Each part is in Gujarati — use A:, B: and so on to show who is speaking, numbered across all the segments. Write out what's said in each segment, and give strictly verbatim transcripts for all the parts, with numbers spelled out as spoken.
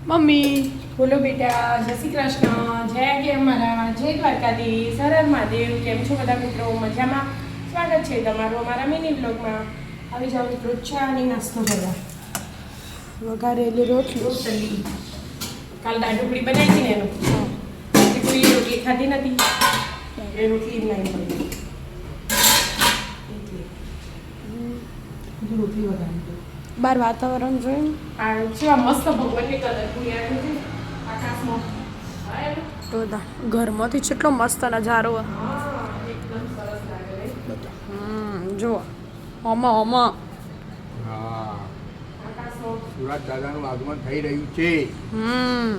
A: મમ્મી
B: બોલો બેટા, જય શ્રી કૃષ્ણ, જય કે અમારા, જય દ્વારકાધીશ, હર હર મહાદેવ. કેમ છો બધા મિત્રો? મજામાં? સ્વાગત છે તમારું અમારા મિની બ્લોગમાં. આવી જાઓ મિત્રો, ચા અને નાસ્તો કરવા.
A: વઘારેલી રોટલી
B: રોટલી કાલ દાળ ઢોકળી બનાવી હતી ને એનું એટલે કોઈ રોટલી ખાધી નથી એ રોટલી જ નહીં પડી એટલે રોટલી વધારી
A: બાર વાતાવરણ જોયું
B: આ કેવા મસ્ત ભગવાનની કલરફુલ આવ્યું છે આકાશમાં.
A: તો ઘરમાંથી કેટલો મસ્ત નજારો.
B: હા, એકદમ સરસ લાગે છે.
A: હમ જુઓ ઓમાં ઓમાં
C: હા,
B: આકાશમાં
C: સુરત દાદાનું આગમન થઈ રહ્યું છે.
A: હમ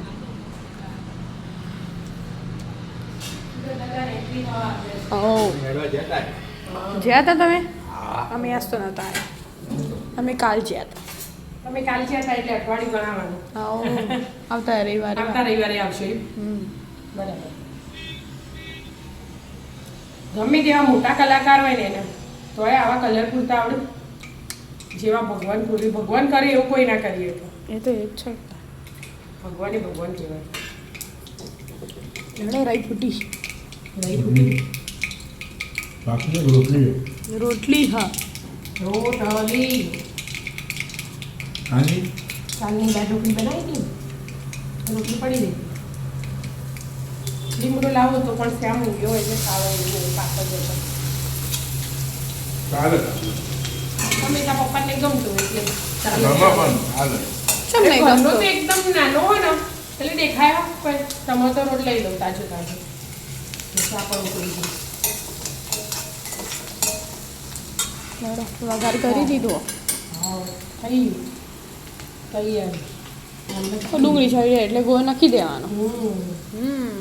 B: દાદા રેતી હવા આપે છે.
A: ઓ
C: મેળવા જતા ને?
A: જ્યાં હતા તમે?
C: હા.
A: અમે આજ તો નહોતા આવ્યા, અમે કાલ જ્યાં હતા.
B: તમે કાલ જ્યાં હતા એટલે અઠવાડિયું ગણાવવાનું.
A: આવો આવતા રવિવારે.
B: આવતા રવિવારે આવશે એમ?
A: હમ
B: બરાબર. ગમે તેવા મોટા કલાકાર હોય ને એને તોય આવા કલર પૂરતા આવડે. જેવા ભગવાન પૂરી ભગવાન કરે એવું કોઈ ના કરીએ તો
A: એ તો એ જ છે.
B: ભગવાન એ ભગવાન કહેવાય.
A: એણે રહી ફૂટી
B: રહી ફૂટી
C: બાકી રોટલી
A: રોટલી. હા
B: રોટલી
C: હાજી
B: કાલની દાળ ઢોકળી બનાવી હતી રોટલી પડી ગઈ. લીમડો લાવો તો પણ શ્યામ ઊંઘ્યો એટલે ખાવા એવું પાછળ જતો
C: ચાલે
B: અમે ત્યાં પપ્પાને ગમતું એટલે ચાલે.
C: ઘરમાં પણ ચાલે.
A: ચમ નહીં
B: ઘરનો
A: ગમતો?
B: તો એકદમ નાનો હોય ને એટલે દેખાયો પણ ટમેટો રોટ લઈ લઉં તાજો તાજો ચા પણ ઉકળી ગઈ.
A: વઘાર કરી દીધો.
B: હા થઈ ગયું તૈયાર.
A: તો ડુંગળી છરી જાય એટલે ગોળ નાખી દેવાનો.
B: હમ
A: હમ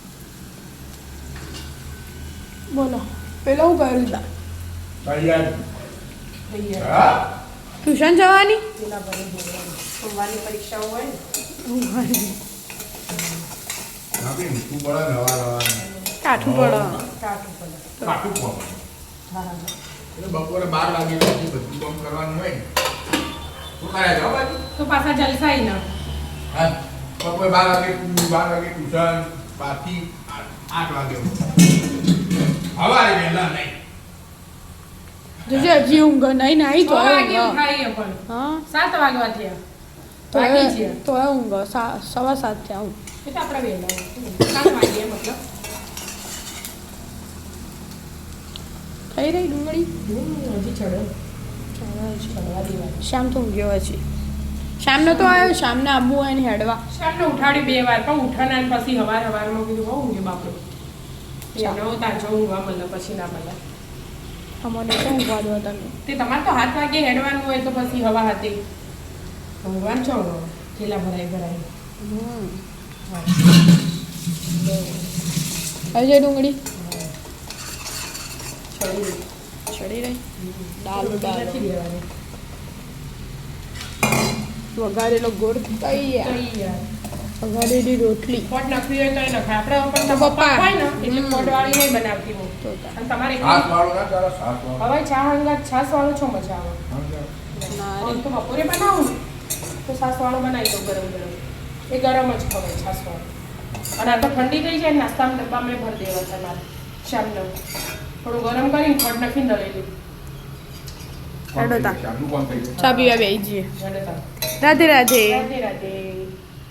A: બોલો પેલા હું કર્યું તા
C: તૈયાર.
B: તૈયાર.
C: હા,
A: ટ્યુશન જવાની?
B: પેલા ભરી દેવાનું. સોમવારની પરીક્ષાઓ હોય ને
C: બાકી મીઠું પડે ને હવા રવાનું.
A: કાઠું પડે.
B: કાઢું પડે.
C: કાઠું પડે.
B: હા
C: એટલે બપોરે બાર વાગે પછી બધું કામ કરવાનું હોય ને. શું કરે છે બાજુ?
B: તો પાછા જલસાઈ ના
C: હા, બપોરે બાર વાગે બાર વાગે ટ્યુશન, પાછી આઠ વાગે હવારે વહેલા નહીં.
A: જોજે હજી ઊંઘ નહીં નાઈ
B: છ
A: તો
B: વાગે
A: ઊંઘ.
B: ઉઠાડીએ પણ
A: હા
B: સાત વાગવા થયા
A: તો
B: વાગી છે
A: તો ઊંઘ સા- સવા સાત થયા ઊંઘ.
B: એ તો આપણે વહેલા સાત વાગે મતલબ
A: થઈ રહી ડુંગળી?
B: હમ, હજી ચડ્યો ચડવા દેવાનું.
A: શામ તો ઊંઘ્યો હજી. શામનો તો આવ્યો, શામને આબુ હોય ને હેડવા.
B: શામને ઉઠાડ્યું બે વાર પણ ઉઠાના ને પછી હવાર હવારમાં કીધું બહુ ઊંઘે બાપડો એનો તાજો ઊંઘવા મળે પછી ના મળે.
A: અમને તો ઊંઘવા દો તમે.
B: તે તમારે તો હાથ વાગે હેડવાનું હોય તો પછી હવા હતી ઊંઘવાનું છો થેલા ભરાઈ ભરાઈ.
A: હમ
B: હા.
A: આવી જાય ડુંગળી
B: ચડી ગઈ.
A: ચડી રહી. દાલ દાલ
B: નથી દેવાની.
A: વઘારેલો ગોળ તૈયાર.
B: તૈયાર.
A: વઘારેલી રોટલી.
B: પોટ નખવી હોય તો એ નખાય. આપણે પણ
A: તો
B: પપ્પા
A: પપ્પા.
B: હોય ને એટલે
A: હમ.
B: પોટ વાળી નહીં બનાવતી હું.
A: તો તા.
B: અને તમારે
C: સાત વાળું ના ચાલે, સાત વાળું.
B: હવે ચા હંગાત છાસ વાળો છો મજા આવે.
A: ના રે.
B: આમ તો બપોરે બનાવું ને તો છાસ વાળો બનાવી દઉં ગરમ ગરમ. એ ગરમ જ ખવાય છાસ વાળો. અને આ તો ઠંડી થઈ જાય નાસ્તાના ડબ્બામાં ભરી દેવા તમારે શામનો થોડું ગરમ કરીને ખડ નાખીને દળેલું.
A: હેડો તા.
C: ચાલુ કોણ થઈ ગયું?
A: ચા પીવા બેસી જઈએ.
B: જડે તાર.
A: રાધે રાધે.
B: રાધે રાધે.